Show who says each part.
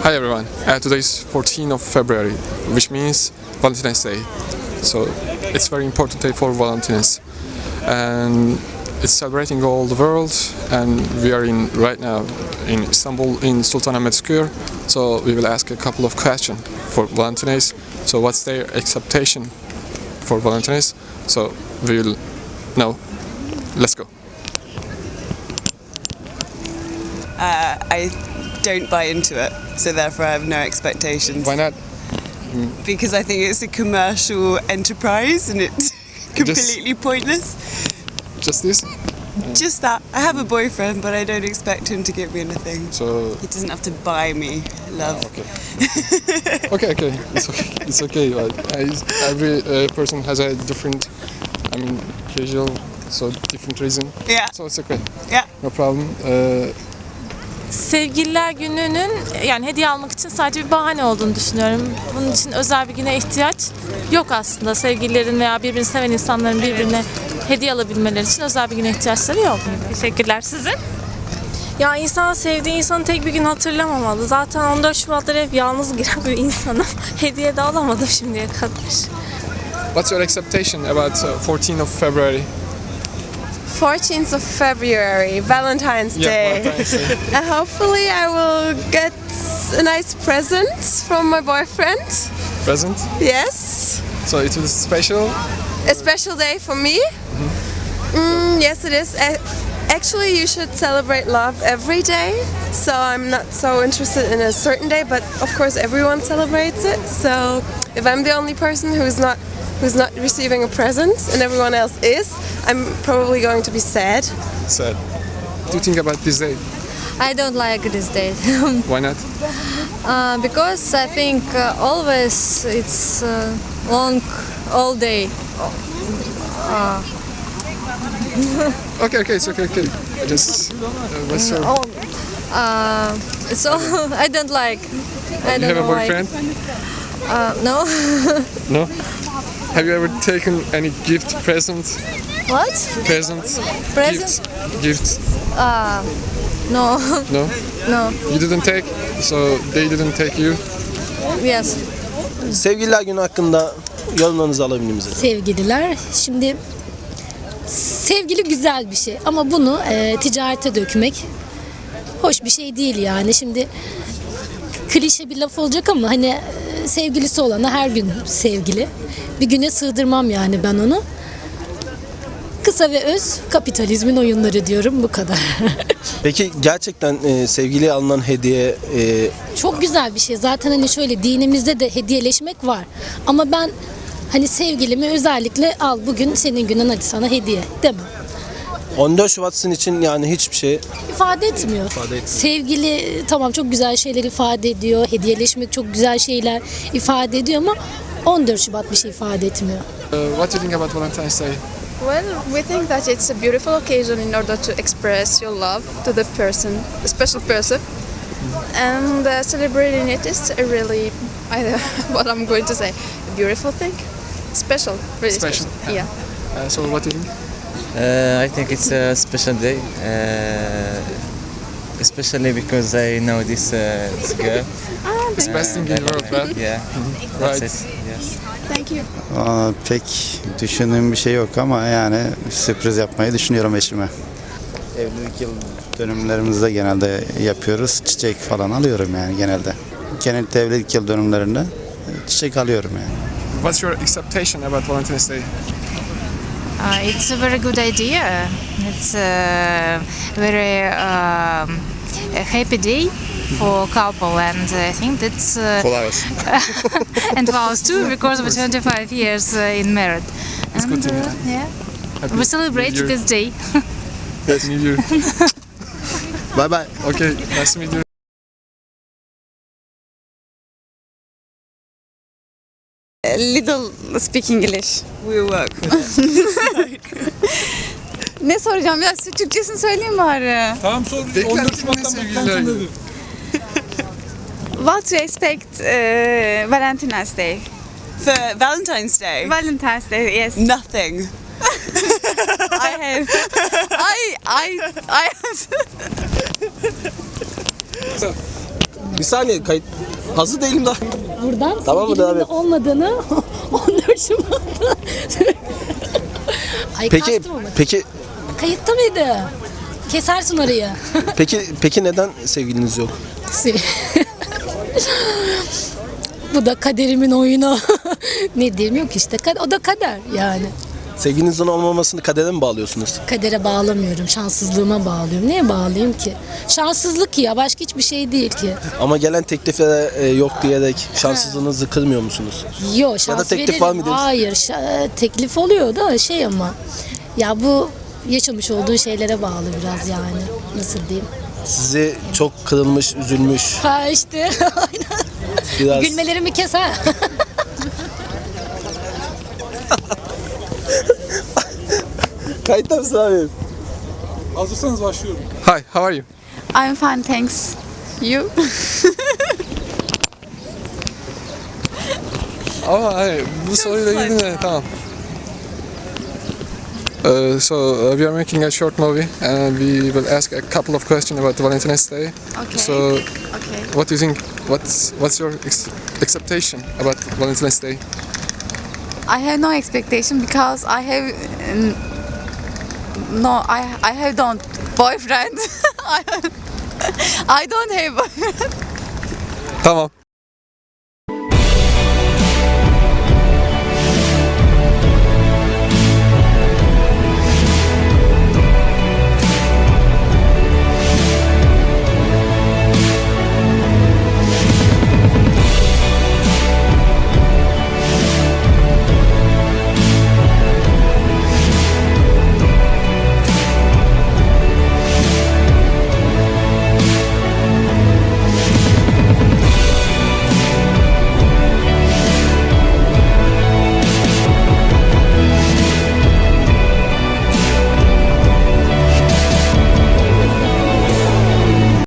Speaker 1: Hi everyone. Today is 14th of February, which means Valentine's Day. So it's very important day for Valentines, and it's celebrating all the world. And we are in right now in Istanbul in Sultanahmet Square. So we will ask a couple of questions for Valentines. So what's their expectation for Valentines? So we will know. Let's go.
Speaker 2: I don't buy into it, so therefore I have no expectations.
Speaker 1: Why not?
Speaker 2: Because I think it's a commercial enterprise and it's completely pointless.
Speaker 1: Just this?
Speaker 2: Just that. I have a boyfriend, but I don't expect him to give me anything.
Speaker 1: So
Speaker 2: He doesn't have to buy me love.
Speaker 1: okay. Okay. It's okay. But every person has a different, casual, so different reason.
Speaker 2: Yeah.
Speaker 1: So it's okay.
Speaker 2: Yeah.
Speaker 1: No problem.
Speaker 3: Sevgililer gününün yani hediye almak için sadece bir bahane olduğunu düşünüyorum. Bunun için özel bir güne ihtiyaç yok aslında. Sevgililerin veya birbirini seven insanların birbirine hediye alabilmeleri için özel bir güne ihtiyaçları yok. Teşekkürler. Sizin?
Speaker 4: Ya insan sevdiği insanı tek bir gün hatırlamamalı. Zaten 14 Şubat'ta hep yalnız giren bir insanım. Hediye de alamadım şimdiye kadar.
Speaker 1: What's your expectation about 14th of February?
Speaker 5: 14th of February, Valentine's Day.
Speaker 1: Valentine's Day.
Speaker 5: Hopefully I will get a nice present from my boyfriend.
Speaker 1: Present.
Speaker 5: Yes.
Speaker 1: So it is special.
Speaker 5: A special day for me. Yes, it is. Actually, you should celebrate love every day. So I'm not so interested in a certain day, but of course everyone celebrates it. So if I'm the only person who's not receiving a present and everyone else is, I'm probably going to be sad.
Speaker 1: Sad. What do you think about this day?
Speaker 6: I don't like this day
Speaker 1: Why not?
Speaker 6: because I think always it's long all day.
Speaker 1: Okay, it's okay. I just what's your?
Speaker 6: So I don't like. I
Speaker 1: You
Speaker 6: don't
Speaker 1: have a
Speaker 6: know why.
Speaker 1: boyfriend?
Speaker 6: No.
Speaker 1: No. Have you ever taken any gift present?
Speaker 6: What?
Speaker 1: Present?
Speaker 6: Present?
Speaker 1: Gift?
Speaker 6: No.
Speaker 1: No?
Speaker 6: No.
Speaker 1: You didn't take? So they didn't take you?
Speaker 6: Yes.
Speaker 7: Sevgililer günü hakkında yorumlarınızı alabilir miyiz?
Speaker 8: Sevgililer. Şimdi sevgili güzel bir şey ama bunu ticarete dökmek hoş bir şey değil yani. Şimdi klişe bir laf olacak ama hani sevgilisi olana her gün sevgili. Bir güne sığdırmam yani ben onu. Kısa ve öz kapitalizmin oyunları diyorum, bu kadar.
Speaker 7: Peki gerçekten sevgiliye alınan hediye
Speaker 8: Çok güzel bir şey. Zaten hani şöyle dinimizde de hediyeleşmek var. Ama ben hani sevgilimi özellikle al bugün senin günün hadi sana hediye demem.
Speaker 7: 14 Şubat sizin için yani hiçbir şey
Speaker 8: İfade etmiyor. Sevgili tamam çok güzel şeyler ifade ediyor. Hediyeleşmek çok güzel şeyler ifade ediyor ama 14 Şubat bir şey ifade etmiyor.
Speaker 1: What do you think about Valentine's Day?
Speaker 9: Well, we think that it's a beautiful occasion in order to express your love to the person, a special person, and celebrating it is a really, what I'm going to say, a beautiful thing, special, really special. Yeah.
Speaker 1: So what do you think?
Speaker 10: I think it's a special day, especially because I know this girl.
Speaker 1: It's best thing in the world, right?
Speaker 10: Yeah,
Speaker 1: Right.
Speaker 10: that's it. Yes.
Speaker 9: Thank you.
Speaker 11: Pek düşündüğüm bir şey yok ama yani sürpriz yapmayı düşünüyorum eşime. Evlilik yıl dönümlerimizde genelde yapıyoruz. Çiçek falan alıyorum yani genelde. Genellikle evlilik yıl dönümlerinde çiçek alıyorum yani.
Speaker 1: What's your expectation about Valentine's Day?
Speaker 12: It's a very good idea. It's a very happy day for couple, and I think that's
Speaker 1: For us.
Speaker 12: and for us too, because we're 25 years in married.
Speaker 1: It's good to know.
Speaker 12: Yeah,
Speaker 1: Happy
Speaker 12: we celebrate
Speaker 1: New Year.
Speaker 12: this day.
Speaker 1: Happy New Year.
Speaker 7: bye bye.
Speaker 1: Okay, nice to meet you.
Speaker 5: Little speak English.
Speaker 2: We'll work with it.
Speaker 9: Ne soracağım ya? Türkçesini söyleyeyim bari.
Speaker 1: Tamam sor. 14 Şubat'tan sevgililer günü.
Speaker 9: What to expect Valentine's Day?
Speaker 2: For Valentine's Day?
Speaker 9: Valentine's Day, yes.
Speaker 2: Nothing.
Speaker 9: I have. I have.
Speaker 7: Bir saniye kayıt. Hazır değilim daha.
Speaker 8: Buradan
Speaker 7: Tamam mı,
Speaker 8: sevgilinin
Speaker 7: devam et.
Speaker 8: olmadığını 14 Şubat'ta. Ay
Speaker 7: Peki
Speaker 8: kastım ama.
Speaker 7: peki
Speaker 8: Kayıtta mıydı? Kesersin orayı.
Speaker 7: peki neden sevgiliniz yok?
Speaker 8: Bu da kaderimin oyunu. Ne diyeyim, yok işte. O da kader yani.
Speaker 7: Sevgilinizin olmamasını kadere mi bağlıyorsunuz?
Speaker 8: Kadere bağlamıyorum, şanssızlığıma bağlıyorum. Neye bağlayayım ki? Şanssızlık ya, başka hiçbir şey değil ki.
Speaker 7: Ama gelen tekliflere yok diyerek şanssızlığınızı kırmıyor musunuz?
Speaker 8: Yok, şans
Speaker 7: teklif
Speaker 8: veririm.
Speaker 7: var mıdır?
Speaker 8: Hayır, teklif oluyor da şey ama. Ya bu yaşamış olduğun şeylere bağlı biraz yani. Nasıl diyeyim?
Speaker 7: Sizi çok kırılmış, üzülmüş.
Speaker 8: Ha işte, aynen.
Speaker 7: Biraz
Speaker 8: Gülmelerimi kes ha.
Speaker 7: Kayıtta mısın abi?
Speaker 1: Hazırsanız başlıyorum. Hi, how are you?
Speaker 9: I'm fine, thanks. You?
Speaker 1: Ama hayır, bu soruyla ilgili de tamam. So we are making a short movie and we will ask a couple of questions about the Valentine's Day.
Speaker 9: Okay.
Speaker 1: So
Speaker 9: Okay.
Speaker 1: what do you think? What's your expectation about Valentine's Day?
Speaker 9: I have no expectation because I have I have don't boyfriend. I don't have boyfriend.
Speaker 1: Tamam.